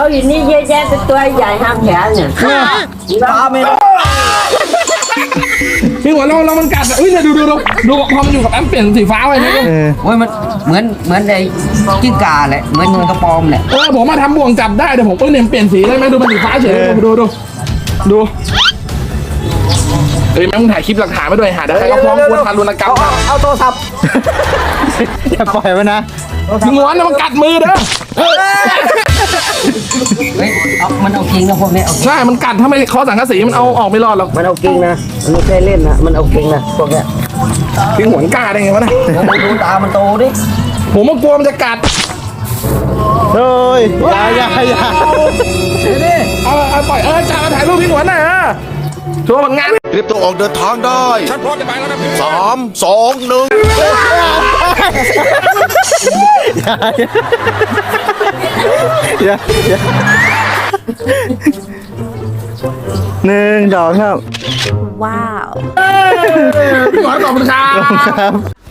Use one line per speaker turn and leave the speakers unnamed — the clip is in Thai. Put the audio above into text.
อยู่นี่เยอะแยะเป็นตัวใหญ่ห้ามแขนเนี่ยปลาไม่ได้
พี่หัวเรามันกัดอุ้ยเนี่ยดูพอมันอยู่กับแอมเปลี่ยนสีฟ้าไปนะ
โอ้ยมันเหมือนไอ้กิ้งก่าแหละเหมือนกระปอมแหละ
ผมมาทำบ่วงจับได้เดี๋ยวผมเนี่ยเปลี่ยนสีได้ไหมดูมันสีฟ้าเฉยดูเฮ้ยแม่งถ่ายคลิปหลักฐานมาด้วยหาได้ก็ฟ้องกวนทารุณกรรม
เอาโทรศัพท์
อย่าปล่อยมันนะ
พี่หัวมันกัดมือเด้อ
เฮ้ยมันเอาจริงนะพวกนี้เอา
ใช่มันกัดถ้าไม่เคาะสังกะสีมันเอาออกไม่รอดหรอก
มันเอาจริงนะมันไม่ใช่เล่นนะมันเอาจริงนะพวกเนี้ย
พี่หัวกล้าได้ไงวะเนี่ย
ดูตามันโตดิ
ผมกลัวมันจะกัด
เฮ้ยอย่า
เอาปล่อยจ่ามาถ่ายรูปพี่หัวหน่อยชัวร์ผลงาน
รีบต้องออกเดินทางได้
ฉันพร้อมจะไปแล้วนะพี่
3 2 1
อย่าหนึ่งดอกครับ
ว้าว
พี่หัวขอบคุณครับ
ครับ